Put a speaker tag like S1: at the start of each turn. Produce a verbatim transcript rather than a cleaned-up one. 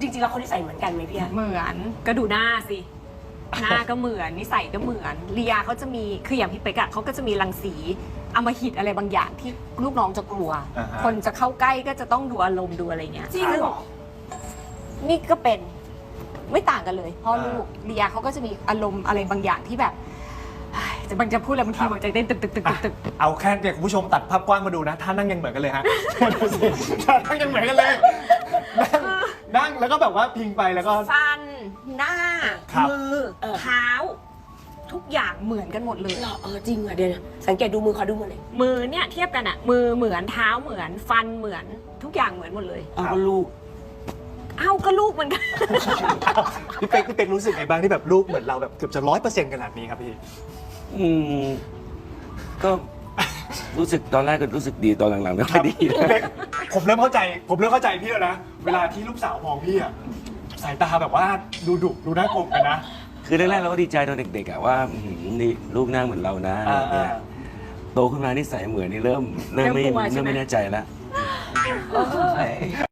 S1: จริงๆแล้วเขานิสัยเหมือนกันไหมพี่อะ
S2: เหมือนก็ดูหน้าสิหน้าก็เหมือนนิสัยก็เหมือนเลียเขาจะมีคืออย่างพี่เป๊กอะเขาก็จะมีรังสีอำมหิตอะไรบางอย่างที่ลูกน้องจะกลัว
S3: อ่าฮะ
S2: คนจะเข้าใกล้ก็จะต้องดูอารมณ์ดูอะไรเงี้ย
S1: จริงเหรอ
S2: นี่ก็เป็นไม่ต่างกันเลยพ่อลูกเลียเขาก็จะมีอารมณ์อะไรบางอย่างที่แบบเฮ้ยจะบางจะพูดอะไรบางทีหัวใจเต้นตึกตึกตึกตึกตึก
S3: เอาแค่เนี่ยคุณผู้ชมตัดภาพกว้างมาดูนะท่านั่งยังเหมือนกันเลยฮะ ดูสิท่านั่งยังเหมือนกันเลยนั่งนั่งแล้วก็แบบว่าพิงไปแล้วก็
S2: ฟันหน้า
S3: ครับ
S2: มือเท้า ทุกอย่างเหมือนกันหมดเลย
S1: เหรอเออจริงอ่ะเดี๋ยวนะสังเกตดูมือเขาดูมือเลย
S2: มือเนี่ยเทียบกันอะมือเหมือนเท้าเหมือนฟันเหมือนทุกอย่างเหมือนหมดเลย
S1: เอาก็ลูก
S2: เอ้าก็ลูกเหมือนกัน
S3: พี่เป็กพี่เป็กรู้สึกไงบ้างที่แบบลูกเหมือนเราแบบเกือบจะร้อยเปอร์เซ็นต์ขนาดนี้ครับพี่
S4: อืมก็รู้สึกตอนแรกก็รู้สึกดีตอนหลังๆไม่ค่อยดี
S3: พี่เป็กผมเริ่มเข้าใจ ผมเริ่มเข้าใจพี่แล้วนะ เวลาที่ลูกสาวมองพี่อะสายตาแบบว่าดูดุดูน่ากลัวกันนะ
S4: คือแรกๆเราก็ดีใจตอนเด็กๆอะว่าอื้อหือนี่ลูกหน้าเหมือนเรานะ
S3: อ่า
S4: เนี่ยโตขึ้นมานิสัยเหมือนนี่เริ่มเริ่มไม่
S2: เริ่มกลัวใช่ไหม
S4: เริ่มไม่แน่ใจแล้ว